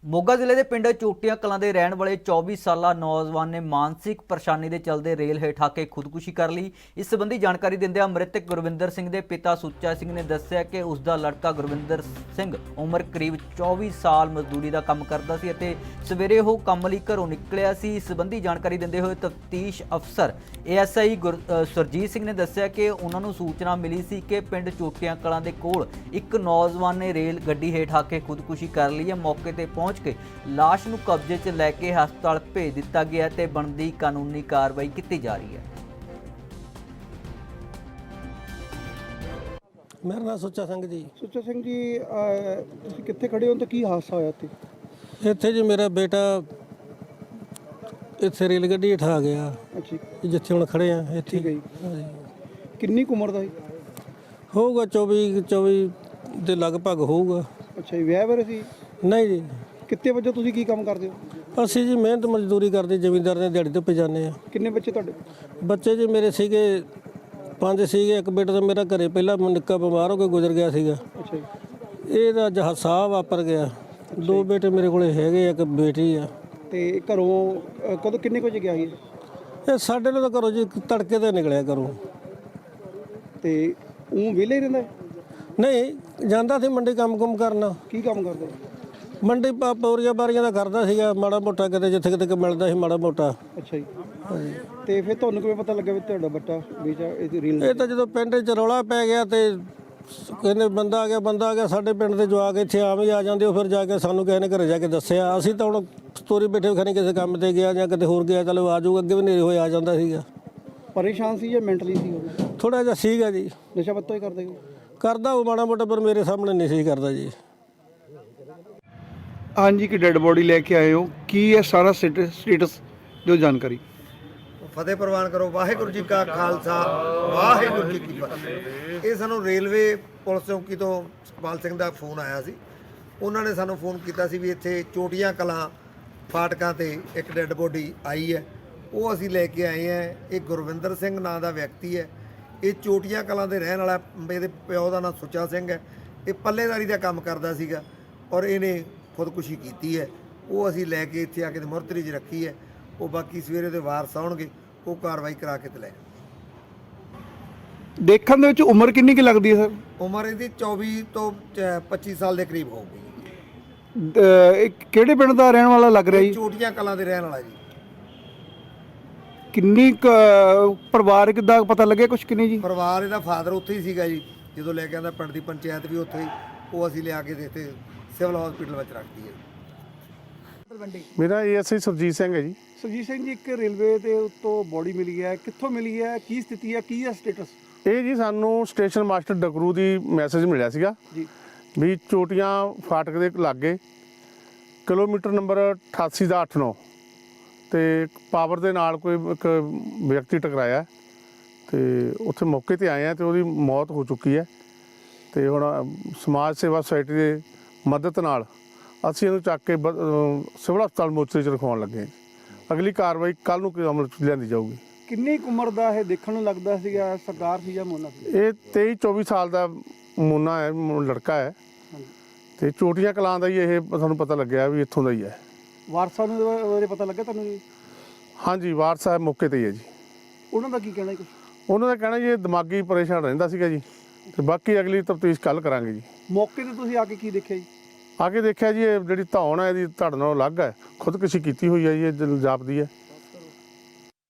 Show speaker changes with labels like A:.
A: ਮੋਗਾ ਜ਼ਿਲ੍ਹੇ ਦੇ ਪਿੰਡ ਚੋਟੀਆਂ ਕਲਾਂ ਦੇ ਰਹਿਣ ਵਾਲੇ 24 ਸਾਲਾ ਨੌਜਵਾਨ ਨੇ ਮਾਨਸਿਕ ਪਰੇਸ਼ਾਨੀ ਦੇ ਚਲਦੇ ਰੇਲ ਹੇਠ ਆ ਕੇ ਖੁਦਕੁਸ਼ੀ ਕਰ ਲਈ। ਇਸ ਸੰਬੰਧੀ ਜਾਣਕਾਰੀ ਦਿੰਦਿਆਂ ਮ੍ਰਿਤਕ ਗੁਰਵਿੰਦਰ ਸਿੰਘ ਦੇ ਪਿਤਾ ਸੁੱਚਾ ਸਿੰਘ ਨੇ ਦੱਸਿਆ ਕਿ ਉਸ ਦਾ ਲੜਕਾ ਗੁਰਵਿੰਦਰ ਸਿੰਘ ਉਮਰ ਕਰੀਬ 24 ਸਾਲ ਮਜ਼ਦੂਰੀ ਦਾ ਕੰਮ ਕਰਦਾ ਸੀ ਅਤੇ ਸਵੇਰੇ ਉਹ ਕੰਮ ਲਈ ਘਰੋਂ ਨਿਕਲਿਆ ਸੀ। ਇਸ ਸੰਬੰਧੀ ਜਾਣਕਾਰੀ ਦਿੰਦੇ ਹੋਏ ਤਫਤੀਸ਼ ਅਫਸਰ ASI ਸੁਰਜੀਤ ਸਿੰਘ ਨੇ ਦੱਸਿਆ ਕਿ ਉਹਨਾਂ ਨੂੰ ਸੂਚਨਾ ਮਿਲੀ ਸੀ ਕਿ ਪਿੰਡ ਚੋਟੀਆਂ ਕਲਾਂ ਦੇ ਕੋਲ ਇੱਕ ਨੌਜਵਾਨ ਨੇ ਰੇਲ ਗੱਡੀ ਹੇਠ ਆ ਕੇ ਖੁਦਕੁਸ਼ੀ ਕਰ ਲਈ ਹੈ। ਮੌਕੇ ਤੇ ਪਹੁੰਚ ਕੇ ਲਾਸ਼ ਨੂੰ ਕਬਜ਼ੇ 'ਚ ਲੈ ਕੇ ਹਸਪਤਾਲ ਭੇਜ ਦਿੱਤਾ ਗਿਆ ਤੇ ਬਣਦੀ ਕਾਨੂੰਨੀ ਕਾਰਵਾਈ ਕੀਤੀ ਜਾ ਰਹੀ ਹੈ।
B: ਮੇਰਾ ਨਾਮ ਸੁੱਚਾ ਸਿੰਘ ਜੀ।
C: ਸੁੱਚਾ ਸਿੰਘ ਜੀ, ਤੁਸੀਂ ਕਿੱਥੇ ਖੜੇ ਹੋ ਤੇ ਕੀ ਹਾਦਸਾ ਹੋਇਆ
B: ਇੱਥੇ ਜੀ ਮੇਰਾ ਬੇਟਾ ਇੱਥੇ ਰੇਲ ਗੱਡੀ ਹੇਠ ਆ ਗਿਆ।
C: ਅੱਛਾ,
B: ਜਿੱਥੇ ਹੁਣ ਖੜੇ ਆ ਇੱਥੇ।
C: ਠੀਕ ਹੈ ਜੀ। ਕਿੰਨੀ ਕੁ ਉਮਰ ਦਾ ਸੀ?
B: ਹੋਊਗਾ 24 ਦੇ ਲਗਭਗ ਹੋਊਗਾ।
C: ਅੱਛਾ ਜੀ, ਵਿਆਹ ਬਾਰੇ ਸੀ?
B: ਨਹੀਂ ਜੀ,
C: ਕਿੱਤੇ ਵਜੋਂ ਤੁਸੀਂ ਕੀ ਕੰਮ ਕਰਦੇ ਹੋ?
B: ਅਸੀਂ ਜੀ ਮਿਹਨਤ ਮਜ਼ਦੂਰੀ ਕਰਦੇ, ਜ਼ਮੀਂਦਾਰ ਦੇ ਦਿਹਾੜੀ ਤੇ ਜਾਂਦੇ ਆ।
C: ਕਿੰਨੇ ਬੱਚੇ ਤੁਹਾਡੇ?
B: ਬੱਚੇ ਜੀ ਮੇਰੇ ਸੀਗੇ 5 ਸੀਗੇ। ਇੱਕ ਬੇਟਾ ਤਾਂ ਮੇਰਾ ਘਰੇ ਪਹਿਲਾਂ ਨਿੱਕਾ ਬਿਮਾਰ ਹੋ ਕੇ ਗੁਜ਼ਰ ਗਿਆ ਸੀਗਾ।
C: ਅੱਛਾ ਜੀ।
B: ਇਹਦਾ ਹਾਦਸਾ ਵਾਪਰ ਗਿਆ। 2 ਬੇਟੇ ਮੇਰੇ ਕੋਲੇ ਹੈਗੇ ਆ, ਇੱਕ ਬੇਟੀ ਆ।
C: ਤੇ ਘਰੋਂ ਕਦੋਂ ਕਿੰਨੇ ਕੁ ਵਜੇ ਗਿਆ ਸੀ?
B: ਇਹ ਸਾਡੇ ਨਾਲ ਤਾਂ ਘਰੋਂ ਜੀ ਤੜਕੇ ਤੇ ਨਿਕਲਿਆ ਘਰੋਂ।
C: ਤੇ ਉਹ ਵਿਹਲੇ ਹੀ ਰਹਿੰਦਾ?
B: ਨਹੀਂ, ਜਾਂਦਾ ਸੀ ਮੰਡੀ ਕੰਮ ਕਰਨਾ।
C: ਕੀ ਕੰਮ ਕਰਦਾ?
B: ਮੰਡੀ ਪੌਰੀਆਂ ਬਾਰੀਆਂ ਦਾ ਕਰਦਾ ਸੀਗਾ, ਮਾੜਾ ਮੋਟਾ ਕਿਤੇ ਜਿੱਥੇ ਕਿਤੇ ਮਿਲਦਾ ਸੀ ਮਾੜਾ ਮੋਟਾ।
C: ਅੱਛਾ ਜੀ। ਤੇ ਫਿਰ ਤੁਹਾਨੂੰ ਕਿਵੇਂ ਪਤਾ ਲੱਗਾ ਵੀ ਤੁਹਾਡਾ ਬੱਚਾ ਬੇਚਾ ਇਹ ਰੀਲ?
B: ਇਹ ਤਾਂ ਜਦੋਂ ਪਿੰਡ 'ਚ ਰੌਲਾ ਪੈ ਗਿਆ ਤੇ ਕਹਿੰਦੇ ਬੰਦਾ ਆ ਗਿਆ। ਸਾਡੇ ਪਿੰਡ ਦੇ ਜਵਾਕ ਇੱਥੇ ਆਮ ਹੀ ਆ ਜਾਂਦੇ। ਉਹ ਫਿਰ ਜਾ ਕੇ ਸਾਨੂੰ ਕਿਸੇ ਨੇ ਘਰੇ ਜਾ ਕੇ ਦੱਸਿਆ। ਅਸੀਂ ਤਾਂ ਹੁਣ ਸਟੋਰੀ ਬੈਠੇ ਖਾਣੀ ਕਿਸੇ ਕੰਮ ਤੇ ਗਿਆ ਜਾਂ ਕਿਤੇ ਹੋਰ ਗਿਆ, ਚਲੋ ਆ ਜਾਊਗਾ। ਅੱਗੇ ਵੀ ਨੇਰੇ ਹੋਏ ਆ ਜਾਂਦਾ ਸੀਗਾ।
C: ਪਰੇਸ਼ਾਨ ਸੀ ਜਾਂ ਮੈਂਟਲੀ ਸੀ ਉਹ?
B: ਥੋੜਾ ਜਿਹਾ ਸੀਗਾ ਜੀ।
C: ਨਸ਼ਾ ਪੱਤਾ ਹੀ ਕਰਦੇ?
B: ਕਰਦਾ ਉਹ ਮਾੜਾ ਮੋਟਾ, ਪਰ ਮੇਰੇ ਸਾਹਮਣੇ ਨਹੀਂ ਸੀ ਕਰਦਾ ਜੀ।
C: ਹਾਂਜੀ, ਕਿ ਡੈੱਡ ਬੋਡੀ ਲੈ ਕੇ ਆਏ ਹੋ, ਕੀ ਹੈ ਸਾਰਾ ਸਟੇਟਸ ਜੋ ਜਾਣਕਾਰੀ?
D: ਫਤਿਹ ਪ੍ਰਵਾਨ ਕਰੋ। ਵਾਹਿਗੁਰੂ ਜੀ ਕਾ ਖਾਲਸਾ, ਵਾਹਿਗੁਰੂ ਜੀ ਕੀ ਫਤਿਹ। ਇਹ ਸਾਨੂੰ ਰੇਲਵੇ ਪੁਲਿਸ ਚੌਂਕੀ ਤੋਂ ਸੁਖਪਾਲ ਸਿੰਘ ਦਾ ਫੋਨ ਆਇਆ ਸੀ। ਉਹਨਾਂ ਨੇ ਸਾਨੂੰ ਫੋਨ ਕੀਤਾ ਸੀ ਵੀ ਇੱਥੇ ਚੋਟੀਆਂ ਕਲਾਂ ਫਾਟਕਾਂ ਤੇ ਇੱਕ ਡੈੱਡ ਬੋਡੀ ਆਈ ਹੈ। ਉਹ ਅਸੀਂ ਲੈ ਕੇ ਆਏ ਹਾਂ। ਇਹ ਗੁਰਵਿੰਦਰ ਸਿੰਘ ਨਾਂ ਦਾ ਵਿਅਕਤੀ ਹੈ। ਇਹ ਚੋਟੀਆਂ ਕਲਾਂ ਦੇ ਰਹਿਣ ਵਾਲਾ। ਇਹਦੇ ਪਿਓ ਦਾ ਨਾਂ ਸੁੱਚਾ ਸਿੰਘ ਹੈ। ਇਹ ਪੱਲੇਦਾਰੀ ਦਾ ਕੰਮ ਕਰਦਾ ਸੀਗਾ ਔਰ ਇਹਨੇ ਖੁਦਕੁਸ਼ੀ ਕੀਤੀ ਹੈ। ਉਹ ਅਸੀਂ ਲੈ ਕੇ ਇੱਥੇ ਆ ਕੇ ਮੁਰਤਰੀ 'ਚ ਰੱਖੀ ਹੈ। ਉਹ ਬਾਕੀ ਸਵੇਰੇ ਦੇ ਵਾਰਸ ਆਉਣਗੇ, ਉਹ ਕਾਰਵਾਈ ਕਰਾ ਕੇ ਤੇ ਲੈ।
C: ਦੇਖਣ ਦੇ ਵਿੱਚ ਉਮਰ ਕਿੰਨੀ ਕੁ ਲੱਗਦੀ ਹੈ ਸਰ?
D: ਉਮਰ ਇਹਦੀ 24 ਤੋਂ 25 ਸਾਲ ਦੇ ਕਰੀਬ ਹੋਊਗੀ।
C: ਇਹ ਕਿਹੜੇ ਪਿੰਡ ਦਾ ਰਹਿਣ ਵਾਲਾ ਲੱਗ ਰਿਹਾ ਜੀ?
D: ਚੋਟੀਆਂ ਕਲਾਂ ਦੇ ਰਹਿਣ ਵਾਲਾ ਜੀ।
C: ਕਿੰਨੀ ਪਰਿਵਾਰਕ ਦਾ ਪਤਾ ਲੱਗਿਆ ਕੁਛ? ਕਿੰਨੀ ਜੀ?
D: ਪਰਿਵਾਰ ਇਹਦਾ ਫਾਦਰ ਉੱਥੇ ਹੀ ਸੀਗਾ ਜੀ ਜਦੋਂ ਲੈ ਕੇ ਆਂਦਾ। ਪਿੰਡ ਦੀ ਪੰਚਾਇਤ ਵੀ ਉੱਥੇ ਹੀ। ਉਹ ਅਸੀਂ ਲਿਆ ਕੇ ਇੱਥੇ ਸਿਵਲ ਹਸਪੀਟਲ ਵਿੱਚ ਰੱਖਦੀ ਹੈ।
E: ਮੇਰਾ ASI ਸੁਰਜੀਤ ਸਿੰਘ ਹੈ ਜੀ।
C: ਸੁਰਜੀਤ ਸਿੰਘ ਜੀ, ਇੱਕ ਰੇਲਵੇ ਦੇ ਉੱਤੋਂ ਬੋਡੀ ਮਿਲੀ ਹੈ, ਕਿੱਥੋਂ ਮਿਲੀ ਹੈ, ਕੀ ਸਥਿਤੀ ਹੈ, ਕੀ ਹੈ ਸਟੇਟਸ?
E: ਇਹ ਜੀ ਸਾਨੂੰ ਸਟੇਸ਼ਨ ਮਾਸਟਰ ਡਕਰੂ ਦੀ ਮੈਸੇਜ ਮਿਲਿਆ ਸੀਗਾ
C: ਜੀ
E: ਵੀ ਚੋਟੀਆਂ ਫਾਟਕ ਦੇ ਲਾਗੇ ਕਿਲੋਮੀਟਰ ਨੰਬਰ 88 ਦਾ 89 ਤੇ ਪਾਵਰ ਦੇ ਨਾਲ ਕੋਈ ਇੱਕ ਵਿਅਕਤੀ ਟਕਰਾਇਆ ਤੇ ਉੱਥੇ ਮੌਕੇ ਤੇ ਆਏ ਆ ਤੇ ਉਹਦੀ ਮੌਤ ਹੋ ਚੁੱਕੀ ਹੈ। ਤੇ ਹੁਣ ਸਮਾਜ ਸੇਵਾ ਸੁਸਾਇਟੀ ਦੇ ਮਦਦ ਨਾਲ ਅਸੀਂ ਇਹਨੂੰ ਚੱਕ ਕੇ ਸਿਵਲ ਹਸਪਤਾਲ ਮੋਚਰੀ 'ਚ ਰਖਵਾਉਣ ਲੱਗੇ ਹਾਂ। ਅਗਲੀ ਕਾਰਵਾਈ ਕੱਲ੍ਹ ਨੂੰ ਅਮਲ 'ਚ ਲਿਆਂਦੀ ਜਾਊਗੀ।
C: ਕਿੰਨੀ ਕੁ ਉਮਰ ਦਾ ਇਹ ਦੇਖਣ ਨੂੰ ਲੱਗਦਾ ਸੀਗਾ? ਸਰਦਾਰ ਸੀ ਜਾਂ ਮੋਨਾ ਸੀ?
E: ਇਹ 23-24 ਸਾਲ ਦਾ ਮੋਨਾ ਹੈ, ਲੜਕਾ ਹੈ। ਤੇ ਚੋਟੀਆਂ ਕਲਾਂ ਦਾ ਹੀ ਇਹ ਸਾਨੂੰ ਪਤਾ ਲੱਗਿਆ ਵੀ ਇੱਥੋਂ ਦਾ ਹੀ ਹੈ।
C: ਵਾਰਸਾਂ ਨੂੰ ਉਹਦੇ ਪਤਾ ਲੱਗਾ ਤੁਹਾਨੂੰ ਜੀ?
E: ਹਾਂਜੀ, ਵਾਰਸ ਸਾਹਿਬ ਮੌਕੇ ਤੇ ਹੀ ਹੈ ਜੀ।
C: ਉਹਨਾਂ ਦਾ ਕੀ ਕਹਿਣਾ ਕੁਛ?
E: ਉਹਨਾਂ ਦਾ ਕਹਿਣਾ ਜੀ ਇਹ ਦਿਮਾਗੀ ਪਰੇਸ਼ਾਨ ਰਹਿੰਦਾ ਸੀਗਾ ਜੀ। ਤੇ ਬਾਕੀ ਅਗਲੀ ਤਫਤੀਸ਼ ਕੱਲ੍ਹ ਕਰਾਂਗੇ ਜੀ।
C: ਮੌਕੇ ਤੇ ਤੁਸੀਂ ਆ ਕੇ ਕੀ ਦੇਖਿਆ ਜੀ?
E: ਆ ਕੇ ਦੇਖਿਆ ਜੀ ਇਹ ਜਿਹੜੀ ਧੌਣ ਹੈ ਇਹਦੀ ਧੜ ਨਾਲੋਂ ਅਲੱਗ ਹੈ। ਖੁਦਕੁਸ਼ੀ ਕੀਤੀ ਹੋਈ ਹੈ ਜੀ, ਇਹ ਜਾਪਦੀ ਹੈ।